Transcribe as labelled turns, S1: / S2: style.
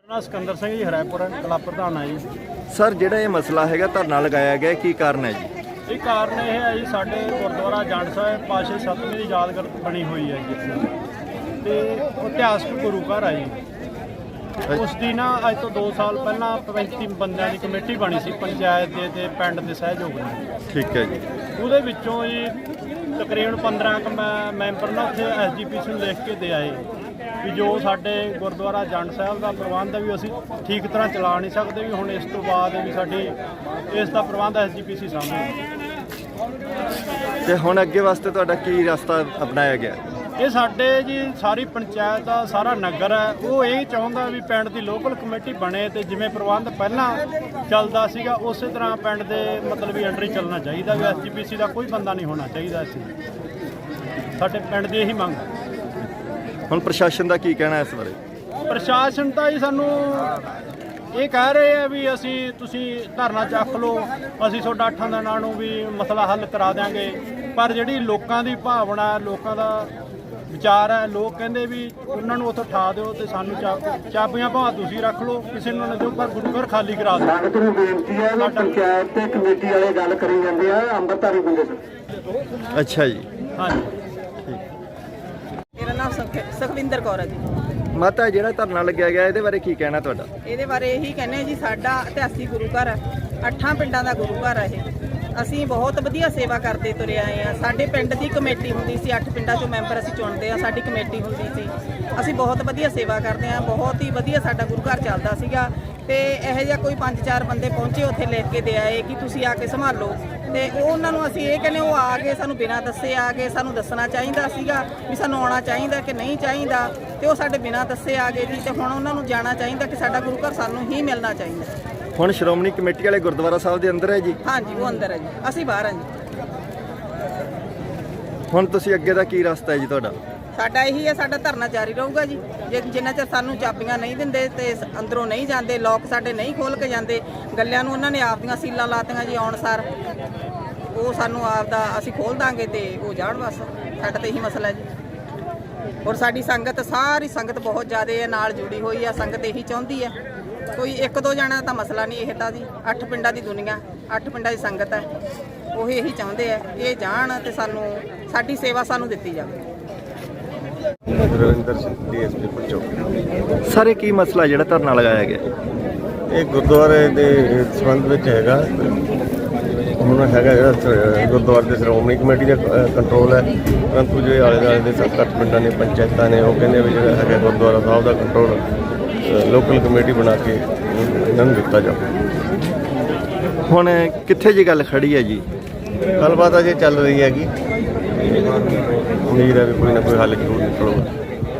S1: ना सिकंदर सिंह जी हरायपुर कला प्रधान है जी।
S2: सर ਜਿਹੜਾ ਇਹ ਮਸਲਾ ਹੈਗਾ ਧਰਨਾ ਲਗਾਇਆ ਗਿਆ ਕੀ ਕਾਰਨ ਹੈ ਜੀ?
S1: ਇਹ ਕਾਰਨ ਇਹ ਹੈ ਜੀ ਸਾਡੇ ਗੁਰਦੁਆਰਾ ਜੰਡ ਸਾਹਿਬ ਪਾਸ਼ੇ ਸਤਵੇਂ ਦੀ ਯਾਦਗਾਰ ਬਣੀ ਹੋਈ ਹੈ ਜੀ ਤੇ ਇਤਿਹਾਸਕ ਗੁਰੂ ਘਰ ਹੈ ਜੀ। ਉਸ ਦੀ ਨਾ ਅੱਜ ਤੋਂ 2 ਸਾਲ ਪਹਿਲਾਂ 35 ਬੰਦਿਆਂ ਦੀ ਕਮੇਟੀ ਬਣੀ ਸੀ ਪੰਚਾਇਤ ਦੇ ਤੇ ਪਿੰਡ ਦੇ ਸਹਿਯੋਗ ਨਾਲ।
S2: ਠੀਕ ਹੈ ਜੀ।
S1: ਉਹਦੇ ਵਿੱਚੋਂ ਜੀ ਤਕਰੀਬਨ 15 ਮੈਂਬਰ ਨਾ ਉੱਥੇ ਐਸਜੀਪੀਸੀ ਨੂੰ ਲਿਖ ਕੇ ਦੇ ਆਏ ਵੀ ਜੋ ਸਾਡੇ ਗੁਰਦੁਆਰਾ ਜੰਡ ਸਾਹਿਬ ਦਾ ਪ੍ਰਬੰਧ ਹੈ ਵੀ ਅਸੀਂ ਠੀਕ ਤਰ੍ਹਾਂ ਚਲਾ ਨਹੀਂ ਸਕਦੇ ਵੀ ਹੁਣ ਇਸ ਤੋਂ ਬਾਅਦ ਵੀ ਸਾਡੀ ਇਸ ਦਾ ਪ੍ਰਬੰਧ ਐਸਜੀਪੀਸੀ ਸਾਹਮਣੇ।
S2: ਤੇ ਹੁਣ ਅੱਗੇ ਵਾਸਤੇ ਤੁਹਾਡਾ ਕੀ ਰਸਤਾ ਅਪਣਾਇਆ ਗਿਆ?
S1: ਇਹ ਸਾਡੇ ਜੀ ਸਾਰੀ ਪੰਚਾਇਤ ਦਾ ਸਾਰਾ ਨਗਰ ਹੈ ਉਹ ਇਹ ਚਾਹੁੰਦਾ ਵੀ ਪਿੰਡ ਦੀ ਲੋਕਲ ਕਮੇਟੀ ਬਣੇ ਤੇ ਜਿਵੇਂ ਪ੍ਰਬੰਧ ਪਹਿਲਾਂ ਚੱਲਦਾ ਸੀਗਾ ਉਸੇ ਤਰ੍ਹਾਂ ਪਿੰਡ ਦੇ ਮਤਲਬ ਵੀ ਅੰਡਰ ਹੀ ਚੱਲਣਾ ਚਾਹੀਦਾ ਵੀ ਐਸਜੀਪੀਸੀ ਦਾ ਕੋਈ ਬੰਦਾ ਨਹੀਂ ਹੋਣਾ ਚਾਹੀਦਾ। ਅਸੀਂ ਸਾਡੇ ਪਿੰਡ ਦੀ ਇਹੀ ਮੰਗ।
S2: ਹੁਣ ਪ੍ਰਸ਼ਾਸਨ ਦਾ ਕੀ ਕਹਿਣਾ ਇਸ ਬਾਰੇ?
S1: ਪ੍ਰਸ਼ਾਸਨ ਤਾਂ ਜੀ ਸਾਨੂੰ ਇਹ ਕਹਿ ਰਹੇ ਆ ਵੀ ਤੁਸੀਂ ਧਰਨਾ ਚੱਕ ਲਓ ਅਸੀਂ ਤੁਹਾਡਾ 8 ਦਿਨਾਂ ਨੂੰ ਵੀ ਮਸਲਾ ਹੱਲ ਕਰਾ ਦਿਆਂਗੇ। ਪਰ ਜਿਹੜੀ ਲੋਕਾਂ ਦੀ ਭਾਵਨਾ ਲੋਕਾਂ ਦਾ ਵਿਚਾਰ ਹੈ ਲੋਕ ਕਹਿੰਦੇ ਵੀ ਉਹਨਾਂ ਨੂੰ ਉੱਥੋਂ ਉਠਾ ਦਿਓ ਤੇ ਸਾਨੂੰ ਚਾਬੀਆਂ ਭਾਵੇਂ ਤੁਸੀਂ ਰੱਖ ਲਓ ਕਿਸੇ ਨੂੰ ਨਾ ਦਿਓ ਪਰ ਗੁਰੂ ਘਰ ਖਾਲੀ ਕਰਾ ਦਿਓ।
S3: ਸੰਗਤ ਨੂੰ ਬੇਨਤੀ ਹੈ ਕਿ ਪੰਚਾਇਤ ਤੇ ਕਮੇਟੀ ਵਾਲੇ ਗੱਲ ਕਰੀ ਜਾਂਦੇ ਆ ਅੰਮ੍ਰਿਤਧਾਰੀ ਬੰਦੇ ਸਨ।
S2: ਅੱਛਾ ਜੀ।
S1: ਹਾਂਜੀ।
S4: ਮੇਰਾ ਨਾਮ ਸੁਖਵਿੰਦਰ ਕੌਰ ਹੈ ਜੀ।
S2: ਮਾਤਾ ਜਿਹੜਾ ਧਰਨਾ ਲੱਗਿਆ ਗਿਆ ਇਹਦੇ ਬਾਰੇ ਕੀ ਕਹਿਣਾ ਤੁਹਾਡਾ?
S4: ਇਹਦੇ ਬਾਰੇ ਇਹੀ ਕਹਿੰਦੇ ਜੀ ਸਾਡਾ ਇਤਿਹਾਸਿਕ ਗੁਰੂ ਘਰ ਹੈ 8 ਪਿੰਡਾਂ ਦਾ ਗੁਰੂ ਘਰ ਹੈ ਇਹ। ਅਸੀਂ ਬਹੁਤ ਵਧੀਆ ਸੇਵਾ ਕਰਦੇ ਤੁਰੇ ਆਏ ਆ। ਸਾਡੇ ਪਿੰਡ ਦੀ ਕਮੇਟੀ ਹੁੰਦੀ ਸੀ 8 ਪਿੰਡਾਂ ਚੋਂ ਮੈਂਬਰ ਅਸੀਂ ਚੁਣਦੇ ਆ ਸਾਡੀ ਕਮੇਟੀ ਹੁੰਦੀ ਸੀ। ਅਸੀਂ ਬਹੁਤ ਵਧੀਆ ਸੇਵਾ ਕਰਦੇ ਆ ਬਹੁਤ ਹੀ ਵਧੀਆ ਸਾਡਾ ਗੁਰੂ ਘਰ ਚੱਲਦਾ ਸੀਗਾ ਤੇ ਇਹੋ ਜਿਹਾ ਕੋਈ 5-4 ਬੰਦੇ ਪਹੁੰਚੇ ਉੱਥੇ ਲਿਖ ਕੇ ਦੇ ਆਏ ਕਿ ਤੁਸੀਂ ਆ ਕੇ ਸੰਭਾਲੋ ਤੇ ਉਹਨਾਂ ਨੂੰ ਅਸੀਂ ਇਹ ਕਹਿੰਦੇ ਉਹ ਆ ਗਏ ਸਾਨੂੰ ਬਿਨਾਂ ਦੱਸੇ ਆ ਗਏ। ਸਾਨੂੰ ਦੱਸਣਾ ਚਾਹੀਦਾ ਸੀਗਾ ਵੀ ਸਾਨੂੰ ਆਉਣਾ ਚਾਹੀਦਾ ਕਿ ਨਹੀਂ ਚਾਹੀਦਾ ਤੇ ਉਹ ਸਾਡੇ ਬਿਨਾਂ ਦੱਸੇ ਆ ਗਏ ਜੀ। ਤੇ ਹੁਣ ਉਹਨਾਂ ਨੂੰ ਜਾਣਾ ਚਾਹੀਦਾ ਕਿ ਸਾਡਾ ਗੁਰੂ ਘਰ ਸਾਨੂੰ ਹੀ ਮਿਲਣਾ ਚਾਹੀਦਾ।
S2: ਹੁਣ ਸ਼੍ਰੋਮਣੀ ਕਮੇਟੀ ਵਾਲੇ ਗੁਰਦੁਆਰਾ ਸਾਹਿਬ ਦੇ ਅੰਦਰ ਹੈ ਜੀ?
S4: ਹਾਂਜੀ ਉਹ ਅੰਦਰ ਹੈ ਜੀ ਅਸੀਂ ਬਾਹਰ ਹਾਂ ਜੀ।
S2: ਹੁਣ ਤੁਸੀਂ ਅੱਗੇ ਦਾ ਕੀ ਰਸਤਾ ਹੈ ਜੀ ਤੁਹਾਡਾ?
S4: ਸਾਡਾ ਇਹੀ ਹੈ ਸਾਡਾ ਧਰਨਾ ਜਾਰੀ ਰਹੂਗਾ ਜੀ। ਜੇ ਜਿੰਨਾ ਚਿਰ ਸਾਨੂੰ ਚਾਬੀਆਂ ਨਹੀਂ ਦਿੰਦੇ ਤੇ ਅੰਦਰੋਂ ਨਹੀਂ ਜਾਂਦੇ ਲੋਕ ਸਾਡੇ ਨਹੀਂ ਖੋਲ ਕੇ ਜਾਂਦੇ ਗੱਲਿਆਂ ਨੂੰ ਉਹਨਾਂ ਨੇ ਆਪਦੀਆਂ ਸੀਲਾਂ ਲਾਤੀਆਂ ਜੀ ਆਉਣ ਸਾਰ ਉਹ ਸਾਨੂੰ ਆਪਦਾ ਅਸੀਂ ਖੋਲ ਦਾਂਗੇ ਤੇ ਉਹ ਜਾਣ ਬਸ ਸਾਡਾ ਤਾਂ ਇਹੀ ਮਸਲਾ ਜੀ। ਔਰ ਸਾਡੀ ਸੰਗਤ ਸਾਰੀ ਸੰਗਤ ਬਹੁਤ ਜ਼ਿਆਦਾ ਹੈ ਨਾਲ ਜੁੜੀ ਹੋਈ ਆ। ਸੰਗਤ ਇਹੀ ਚਾਹੁੰਦੀ ਹੈ ਕੋਈ 1-2 ਜਣਾ ਦਾ ਮਸਲਾ ਨਹੀਂ ਇਹ ਤਾਂ ਜੀ 8 ਪਿੰਡਾਂ ਦੀ ਦੁਨੀਆ 8 ਪਿੰਡਾਂ ਦੀ ਸੰਗਤ ਹੈ ਉਹ ਇਹੀ ਚਾਹੁੰਦੇ ਆ ਇਹ ਜਾਣ ਤੇ ਸਾਨੂੰ ਸਾਡੀ ਸੇਵਾ ਸਾਨੂੰ ਦਿੱਤੀ ਜਾਵੇ।
S5: ਰਵਿੰਦਰ ਸਿੰਘ ਡੀਐਸਪੀ ਪਰਚੋ।
S2: ਸਰ ਇਹ ਕੀ ਮਸਲਾ ਜਿਹੜਾ ਧਰਨਾ ਲਗਾਇਆ ਗਿਆ?
S5: ਇਹ ਗੁਰਦੁਆਰੇ ਦੇ ਸੰਬੰਧ ਵਿੱਚ ਹੈਗਾ। ਹੁਣ ਹੈਗਾ ਜਿਹੜਾ ਗੁਰਦੁਆਰੇ ਦੇ ਸ਼੍ਰੋਮਣੀ ਕਮੇਟੀ ਦਾ ਕੰਟਰੋਲ ਹੈ ਪਰੰਤੂ ਜਿਹੜੇ ਆਲੇ ਦੁਆਲੇ ਦੇ 7-8 ਪਿੰਡਾਂ ਨੇ ਪੰਚਾਇਤਾਂ ਨੇ ਉਹ ਕਹਿੰਦੇ ਵੀ ਜਿਹੜਾ ਹੈਗਾ ਗੁਰਦੁਆਰਾ ਸਾਹਿਬ ਦਾ ਕੰਟਰੋਲ ਲੋਕਲ ਕਮੇਟੀ ਬਣਾ ਕੇ ਇਹਨਾਂ ਨੂੰ ਦਿੱਤਾ ਜਾਵੇ।
S2: ਹੁਣ ਕਿੱਥੇ ਜੀ ਗੱਲ ਖੜੀ ਹੈ ਜੀ?
S5: ਗੱਲਬਾਤ ਅਜੇ ਚੱਲ ਰਹੀ ਹੈਗੀ। ਉਮੀਦ ਹੈ ਵੀ ਕੋਈ ਨਾ ਕੋਈ ਹੱਲ ਜ਼ਰੂਰ ਨਿਕਲੂਗਾ।